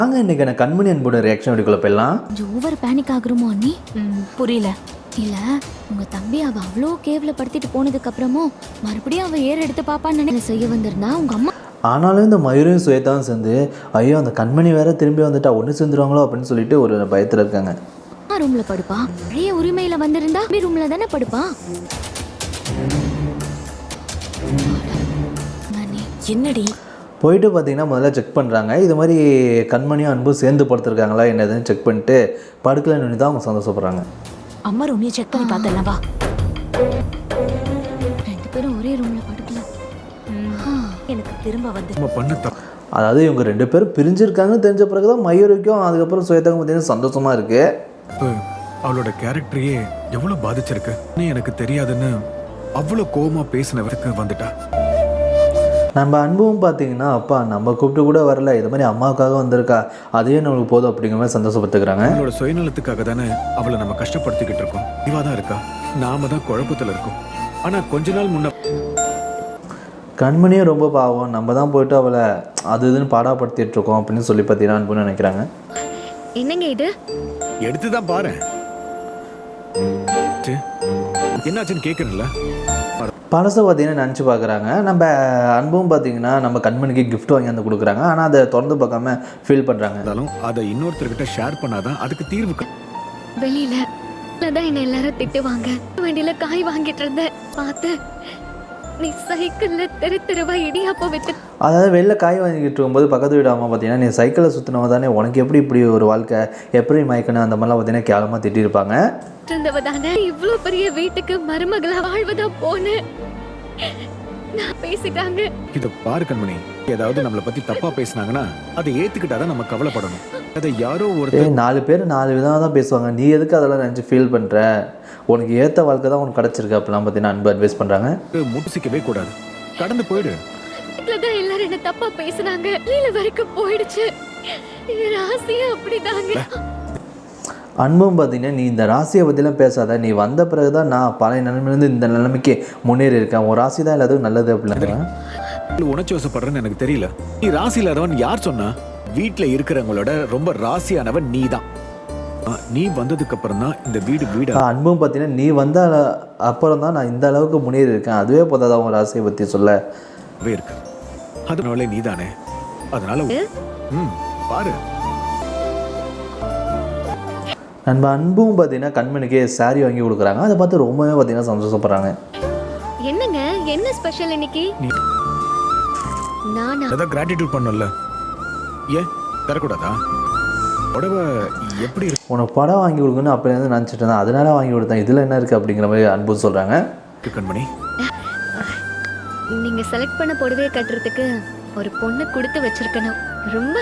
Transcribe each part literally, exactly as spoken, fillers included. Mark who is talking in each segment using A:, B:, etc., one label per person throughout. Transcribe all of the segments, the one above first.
A: நாங்க இன்னைக்கு எனக்கு கண்மணி அன்போட ரியாக்ஷன் வீடியோக்குள்ள போயிடலாம்.
B: கொஞ்சம் ஓவர் பேனிக் ஆகுறோமோ அண்ணி?
C: புரியல.
B: இல்ல உங்க தம்பி அவ அவ்வளோ கேவலப்படுத்திட்டு போனதுக்கு அப்புறமும் மறுபடியும் அவ ஏற எடுத்து பாப்பான்னு நினைச்சு செய்ய வந்திருந்தா உங்க அம்மா.
A: ஆனாலும் இந்த மயூரையும் சுயத்தாவும் சேர்ந்து ஐயோ அந்த கண்மணி வேற திரும்பி வந்துட்டா ஒன்று சேர்ந்துருவாங்களோ அப்படின்னு சொல்லிட்டு ஒரு பயத்தில் இருக்காங்க.
B: ரூம்ல படுப்பா, பழைய உரிமையில வந்திருந்தா ரூம்ல தானே படுப்பா.
C: என்னடி
A: போயிட்டு பார்த்தீங்கன்னா முதல்ல செக் பண்ணுறாங்க. இது மாதிரி கண்மணியும் அன்பும் சேர்ந்து படுத்துருக்காங்களா என்னதுன்னு செக் பண்ணிட்டு படுக்கலன்னு தான் அவங்க சந்தோஷப்படுறாங்க.
C: அம்மா ரூமையை செக் பண்ணி பார்த்தலாம் வா.
B: ரெண்டு பேரும் ஒரே ரூம்ல படுக்கல.
C: எனக்கு திரும்ப வந்து
A: அதாவது இவங்க ரெண்டு பேரும் பிரிஞ்சிருக்காங்கன்னு தெரிஞ்ச பிறகு தான் மயூருக்கும் அதுக்கப்புறம் சுயத்தாக்கும் பார்த்தீங்கன்னா சந்தோஷமாக இருக்குது.
D: அவளோட கேரக்டரையே எவ்வளோ பாதிச்சிருக்கு எனக்கு தெரியாதுன்னு அவ்வளோ கோவமா பேசினவருக்கு வந்துட்டா.
A: நம்ம அன்பும் பார்த்தீங்கன்னா அப்பா நம்ம கூப்பிட்டு கூட வரல, இது மாதிரி அம்மாவுக்காக வந்திருக்கா, அதே நம்மளுக்கு போதும் அப்படிங்கிற மாதிரி சந்தோஷப்பட்டுக்கிறாங்க.
D: அவளோட சுயநலத்துக்காக தானே அவளை நம்ம கஷ்டப்படுத்திக்கிட்டு இருக்கோம். இவா தான் இருக்கா, நாம தான் குழப்பத்தில் இருக்கோம். ஆனால் கொஞ்ச நாள் முன்ன
A: கண்மணியும் ரொம்ப பாவம், நம்ம தான் போயிட்டு அவளை அது இதுன்னு பாடாப்படுத்திட்டு இருக்கோம் அப்படின்னு சொல்லி பார்த்தீங்கன்னா அன்புன்னு நினைக்கிறாங்க.
B: என்னங்க இது
D: எடுத்து தான் பாரு என்னாச்சுன்னு கேட்குறீங்களா.
A: பழசை பார்த்தீங்கன்னா நினச்சி பார்க்குறாங்க. நம்ம அன்பும் பார்த்தீங்கன்னா நம்ம கண்மணிக்கு கிஃப்ட் வாங்கி வந்து கொடுக்குறாங்க. ஆனால் அதை திறந்து பார்க்காம ஃபீல் பண்ணுறாங்க.
D: இருந்தாலும் அதை இன்னொருத்தர்கிட்ட ஷேர் பண்ணாதான் அதுக்கு தீர்வு.
B: வெளியில தான் என்ன எல்லாரும் திட்டுவாங்க. வண்டியில காய் வாங்கிட்டு இருந்தேன் பார்த்து நீ சைக்கிள்ல தெரு தெருவா இடியாப்ப வித்து. அதாவது வெளில காய் வாங்கிட்டு இருக்கும்போது பக்கத்து வீடு அம்மா பார்த்தீங்கன்னா நீ சைக்கிளில் சுற்றினவ தானே, உனக்கு எப்படி இப்படி ஒரு வாழ்க்கை, எப்படி மயக்கணும், அந்த மாதிரிலாம் பார்த்தீங்கன்னா கேவலமாக திட்டிருப்பாங்க. இருந்தவதானே இவ்வளோ பெரிய வீட்டுக்கு மருமகளா வாழ்வதா போன நான் பேசிட்டாங்க.
D: இத பாரு கண்மணி, ஏதாவது நம்மளை பத்தி தப்பா பேசினாங்கன்னா அதை ஏத்துக்கிட்டாதான் நம்ம கவலைப்படணும். அதை யாரோ ஒரு
A: நாலு பேர் நாலு விதமாக தான் பேசுவாங்க, நீ எதுக்கு அதெல்லாம் நினச்சி ஃபீல் பண்ணுற, உனக்கு ஏற்ற வாழ்க்கை தான் உனக்கு கிடச்சிருக்கு அப்படிலாம் பார்த்தீங்கன்னா அன்பு அட்வைஸ் பண்ணுறாங்க.
D: முட்டுசிக்கவே கூடாது, கடந்து போயிடு.
B: எல்லாரும் என்ன தப்பா பேசினாங்க, கீழ வரைக்கும் போயிடுச்சு. ராசியா அப்படிதாங்க.
A: அன்பும் பார்த்தீங்கன்னா நீ இந்த ராசியை பற்றிலாம் பேசாத, நீ வந்த பிறகு தான் நான் பழைய நிலைமையிலேருந்து இந்த நிலைமைக்கு முன்னேறி இருக்கேன், ஒரு ராசி தான் எல்லாத்துக்கும் நல்லது அப்படின்னா.
D: உணர்ச்சி வசப்படுறேன்னு எனக்கு தெரியல. நீ ராசி இல்லாதவன் யார் சொன்னா? வீட்டுல இருக்கிறவங்களோட ரொம்ப ராசியானவன் நீ தான். நீ வந்ததுக்கு அப்புறம் தான் இந்த வீடு வீடு.
A: அன்பும் பார்த்தீங்கன்னா நீ வந்த அப்புறம் தான் நான் இந்த அளவுக்கு முன்னேறி இருக்கேன், அதுவே போதாதான் அவன் ராசியை பற்றி சொல்ல
D: இருக்கு. அதனால நீ தானே, அதனால ம் பாரு.
A: நம்ம அன்பும் பார்த்தீங்கன்னா கண்மணிக்கு சாரி வாங்கி கொடுக்குறாங்க. அதை பார்த்து ரொம்பவே பார்த்தீங்கன்னா சந்தோஷப்படுறாங்க.
B: என்னங்க என்ன ஸ்பெஷல் இன்னைக்கு? நானா
D: அத கிராட்டிட்யூட் பண்ணல, ஏன் தரக்கூடாதா? புடவை எப்படி இருக்கு?
A: உனக்கு படம் வாங்கி கொடுக்கணும்னு அப்படியே நினச்சிட்டு இருந்தேன், அதனால வாங்கி கொடுத்தேன், இதில் என்ன இருக்குது அப்படிங்கிற மாதிரி அன்பு சொல்கிறாங்க.
D: கண்மணி
B: நீங்க செலக்ட் பண்ண புடவையை கட்டுறதுக்கு ஒரு பொண்ணு கொடுத்து வச்சிருக்கணும். ரொம்ப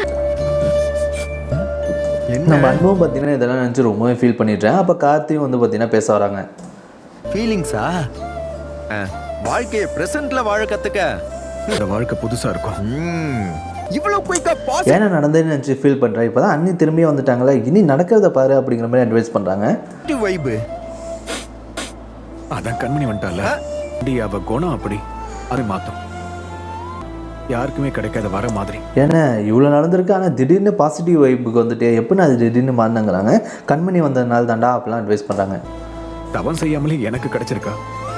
A: நம்ம அன்பும் பார்த்தீங்கன்னா இதெல்லாம் நினச்சி ரொம்பவே ஃபீல் பண்ணிட்டேன். அப்போ கார்த்தியும் வந்து பார்த்தீங்கன்னா பேச வராங்க.
E: ஃபீலிங்ஸா? வாழ்க்கையை பிரசன்ட்ல வாழ கத்துக்க.
D: இந்த வாழ்க்கை புதுசா இருக்கும்.
E: இவ்வளவு குயிக்கா பாஸ்
A: ஏன்னா நடந்தேன்னு நினச்சி ஃபீல் பண்ணுறேன். இப்போ தான் அண்ணி திரும்பி வந்துட்டாங்களே, இனி நடக்கிறத பாரு அப்படிங்கிற மாதிரி அட்வைஸ் பண்ணுறாங்க.
E: வைபு
D: அதான் கண்மணி வந்துட்டால, அவ குணம் அப்படி அதை மாத்தும், யாருக்குமே கிடைக்காத வர மாதிரி.
A: ஏன்னா இவ்வளோ நடந்திருக்கு, ஆனால் திடீர்னு பாசிட்டிவ் வைப்புக்கு வந்துட்டு எப்படின்னு அது திடீர்னு மாறினாங்கிறாங்க. கண்மணி வந்ததுனால தாண்டா அப்படிலாம் அட்வைஸ் பண்ணுறாங்க.
D: தவம் செய்யாமலே எனக்கு கிடைச்சிருக்கா.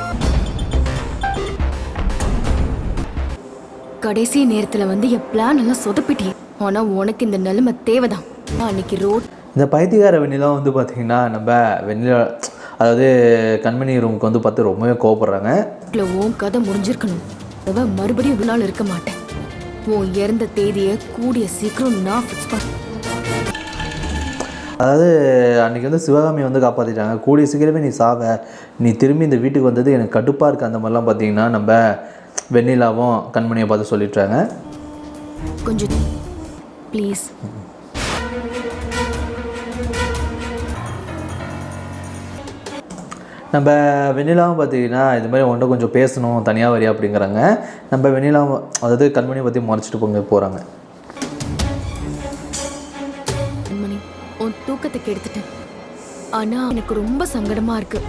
C: கடைசி நேரத்துல வந்து என் பிளான் எல்லாம் சொதப்பிட்டே. ஆனா உனக்கு இந்த நிலைமை தேவைதான். அன்னைக்கு ரோட்
A: இந்த பைத்தியக்கார வெண்ணிலாம் வந்து பார்த்தீங்கன்னா நம்ம வெண்ணிலா அதாவது கண்மணி ரூமுக்கு வந்து பார்த்து ரொம்பவே கோவப்படுறாங்க.
C: உன் கதை முடிஞ்சிருக்கணும், மறுபடியும் ஒரு நாள் இருக்க மாட்டேன். உன் இறந்த தேதியை கூடிய சீக்கிரம் நான் ஃபிக்ஸ் பண்ண.
A: அதாவது அன்றைக்கி வந்து சிவகாமி வந்து காப்பாற்றிட்டாங்க, கூடிய சீக்கிரமே நீ சாவ, நீ திரும்பி இந்த வீட்டுக்கு வந்தது எனக்கு கடுப்பாக இருக்குது, அந்த மாதிரிலாம் பார்த்தீங்கன்னா நம்ம வெண்ணிலாவும் கண்மணியை பார்த்து சொல்லிட்டாங்க.
C: கொஞ்சம் ப்ளீஸ்.
A: நம்ம வெண்ணிலாவும் பார்த்தீங்கன்னா இது மாதிரி உன்ட்ட கொஞ்சம் பேசணும், தனியாக வரியா அப்படிங்கிறாங்க. நம்ம வெண்ணிலாவும் அதாவது கண்மணியை பற்றி மறைச்சிட்டு போங்க போகிறாங்க.
C: கண்மணி உன் தூக்கத்தை கெடுத்துட்டேன், ஆனால் எனக்கு ரொம்ப சங்கடமாக இருக்கு.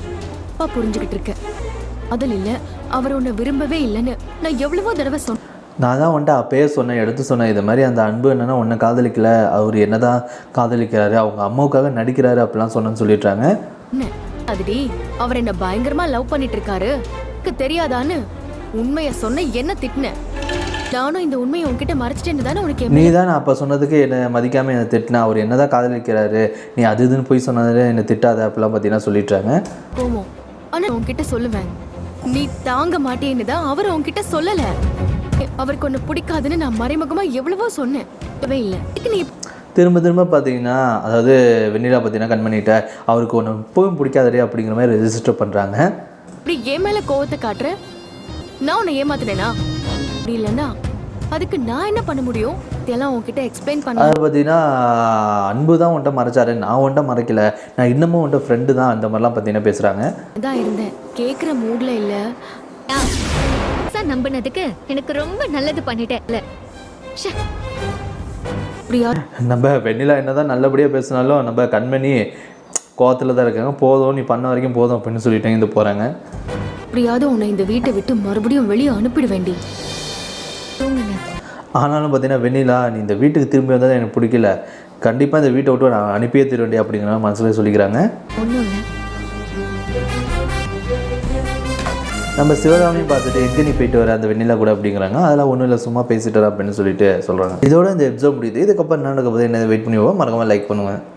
C: அப்பா புரிஞ்சுக்கிட்டு இருக்க அதில் இல்லை, அவர் உன்னை விரும்பவே இல்லைன்னு நான் எவ்வளவோ தடவை சொன்னேன்.
A: நான் தான் வந்துட்டு அப்பயே சொன்னேன், எடுத்து சொன்னேன், இது மாதிரி அந்த அன்பு என்னன்னா உன்னை காதலிக்கல, அவர் என்ன தான் காதலிக்கிறாரு, அவங்க அம்மாவுக்காக நடிக்கிறாரு அப்படிலாம் சொன்னேன்னு சொல்லிடுறாங்க.
C: என்ன அதுடி அவர் என்ன பயங்கரமா லவ் பண்ணிட்டு இருக்காரு, எனக்கு தெரியாதான்னு உண்மைய சொன்ன என்ன திட்டின. நானும் இந்த உண்மையை உன்கிட்ட மறைச்சிட்டேன்னு தானே உனக்கு
A: நீ தான் அப்போ சொன்னதுக்கு என்னை மதிக்காமல் என்னை திட்டினா, அவர் என்ன தான் காதலிக்கிறாரு, நீ அது இதுன்னு போய் சொன்னதில் என்னை திட்டாத அப்படிலாம் பார்த்தீங்கன்னா சொல்லிடுறாங்க.
C: கோவம். ஆனா உன்கிட்ட சொல்லுவேன், நீ தாங்க மாட்டேன்னு தான் அவர் உன்கிட்ட சொல்லல. அவருக்கு ஒன்று பிடிக்காதுன்னு நான் மறைமுகமா எவ்வளவோ சொன்னேன், இல்லை நீ
A: திரும்ப திரும்ப பார்த்தீங்கன்னா, அதாவது வெண்ணிலா பார்த்தீங்கன்னா கண்மணிகிட்ட அவருக்கு ஒன்று இப்பவும் பிடிக்காதே அப்படிங்கிற மாதிரி ரெஜிஸ்டர் பண்ணுறாங்க.
C: இப்படி என் மேலே கோவத்தை காட்டுற, நான் உன்னை ஏமாத்தினேனா? அப்படி இல்லைன்னா அதுக்கு நான் என்ன பண்ண முடியும்? இதெல்லாம் உன்கிட்ட எக்ஸ்பிளைன் பண்ண.
A: அதை பார்த்தீங்கன்னா அன்பு தான் உன்ட்ட மறைச்சாரு, நான் உன்ட்ட மறைக்கல, நான் இன்னமும் உன்ட்ட ஃப்ரெண்டு தான், அந்த மாதிரிலாம் பார்த்தீங்கன்னா பேசுகிறாங்க.
C: அதான் இருந்தேன், கேட்குற மூடில் இல்லை.
B: சார் நம்பினதுக்கு எனக்கு ரொம்ப நல்லது பண்ணிட்டேன். இல்லை
C: அப்படியா?
A: நம்ம வெண்ணிலா என்ன தான் நல்லபடியாக பேசினாலும் நம்ம கண்மணி கோவத்தில் தான் இருக்காங்க. போதும், நீ பண்ண வரைக்கும் போதும் அப்படின்னு சொல்லிட்டு இருந்து போகிறாங்க.
C: அப்படியாவது உன்னை இந்த வீட்டை விட்டு மறுபடியும் வெளியே அனுப்பிட வேண்டி.
A: ஆனாலும் பார்த்தீங்கன்னா வெண்ணிலா, நீ இந்த வீட்டுக்கு திரும்பி வந்தால் எனக்கு பிடிக்கல, கண்டிப்பாக இந்த வீட்டை விட்டு நான் அனுப்பியே தர வேண்டிய அப்படிங்கிற மனசில் சொல்லிக்கிறாங்க.
B: ஒன்றும் இல்லை.
A: நம்ம சிவகாமியும் பார்த்துட்டு எங்கே நீ போயிட்டு வர அந்த வெண்ணிலா கூட அப்படிங்கிறாங்க. அதெல்லாம் ஒன்றும் இல்லை, சும்மா பேசிட்டு வர அப்படின்னு சொல்லிட்டு சொல்கிறாங்க. இதோட இந்த எபிசோட் முடியுது. இதுக்கப்புறம் என்ன நடக்க போது என்ன வெயிட் பண்ணி மறக்காமல் லைக் பண்ணுவேன்.